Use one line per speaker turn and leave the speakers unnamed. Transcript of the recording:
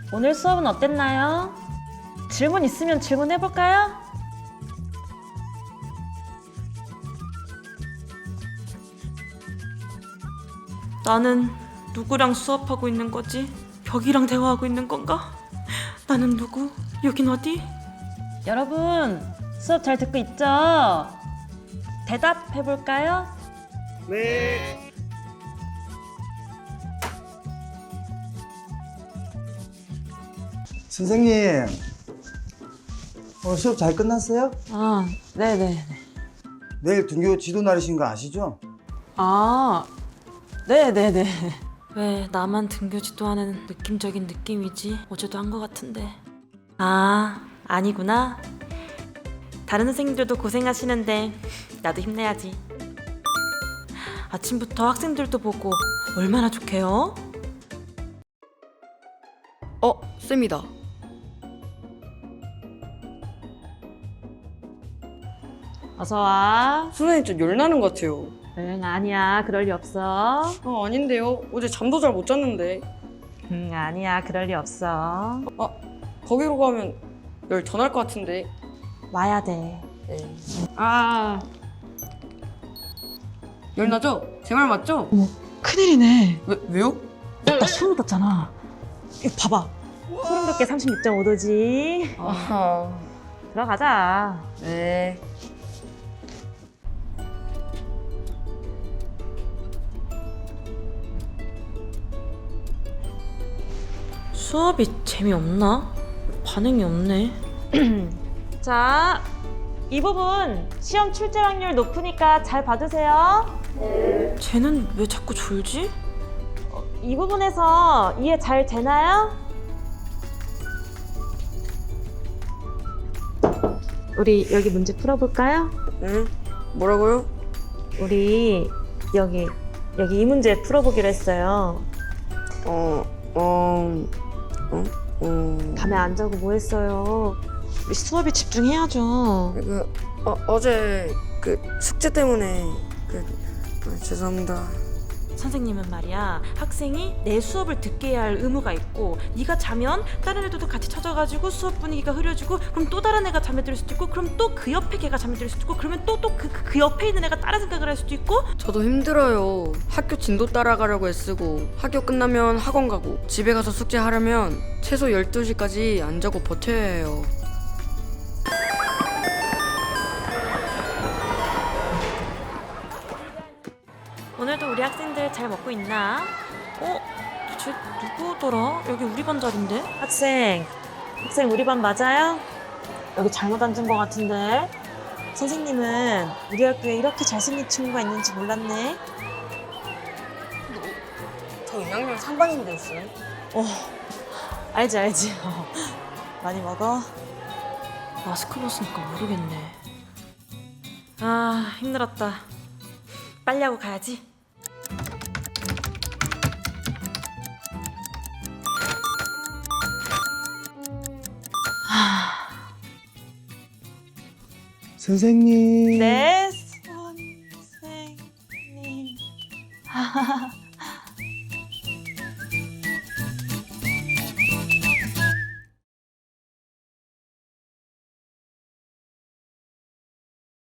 오늘 수업은 어땠나요? 질문 있으면 질문해볼까요?
나는 누구랑 수업하고 있는 거지? 벽이랑 대화하고 있는 건가? 나는 누구? 여긴 어디?
여러분, 수업 잘 듣고 있죠? 대답해볼까요?
네.
선생님, 오늘 수업 잘 끝났어요?
아, 네네.
내일 등교 지도 날이신 거 아시죠?
아, 네네네. 왜 나만 등교 지도하는 느낌적인 느낌이지? 어제도 한 거 같은데. 아, 아니구나. 다른 선생님들도 고생하시는데 나도 힘내야지. 아침부터 학생들도 보고 얼마나 좋게요?
쌤이다.
어서와.
선생님 좀 열나는 것 같아요.
응, 아니야. 그럴 리 없어.
아닌데요. 어제 잠도 잘 못 잤는데.
응, 아니야. 그럴 리 없어.
거기로 가면 열 더 날 것 같은데.
와야 돼.
아. 열나죠? 제 말 맞죠?
큰일이네.
왜요?
나 소름 돋잖아. 이거 봐봐.
소름 돋게 36.5도지.
아하.
들어가자.
네.
수업이 재미없나? 반응이 없네.
자, 이 부분 시험 출제 확률 높으니까 잘 봐주세요.
쟤는 왜 자꾸 졸지?
이 부분에서 이해 잘 되나요? 우리 여기 문제 풀어볼까요?
응? 뭐라고요?
우리 여기 이 문제 풀어보기로 했어요. 밤에 안 자고 뭐 했어요?
우리 수업에 집중해야죠.
어제 숙제 때문에 죄송합니다.
선생님은 말이야, 학생이 내 수업을 듣게 해야 할 의무가 있고, 네가 자면 다른 애들도 같이 찾아가지고 수업 분위기가 흐려지고, 그럼 또 다른 애가 잠에 들 수도 있고, 그럼 또 그 옆에 걔가 잠에 들 수도 있고, 그러면 또 그 옆에 있는 애가 다른 생각을 할 수도 있고.
저도 힘들어요. 학교 진도 따라가려고 애쓰고 학교 끝나면 학원 가고 집에 가서 숙제하려면 최소 12시까지 안 자고 버텨야 해요.
오늘도 우리 학생들 잘 먹고 있나? 쟤 누구더라? 여기 우리 반 자리인데?
학생 우리 반 맞아요? 여기 잘못 앉은 것 같은데. 선생님은 우리 학교에 이렇게 잘생긴 친구가 있는지 몰랐네.
저 2학년 3반인데 쌤.
알지. 많이 먹어?
마스크 벗으니까 모르겠네. 아, 힘들었다. 빨리 하고 가야지.
선생님.
네,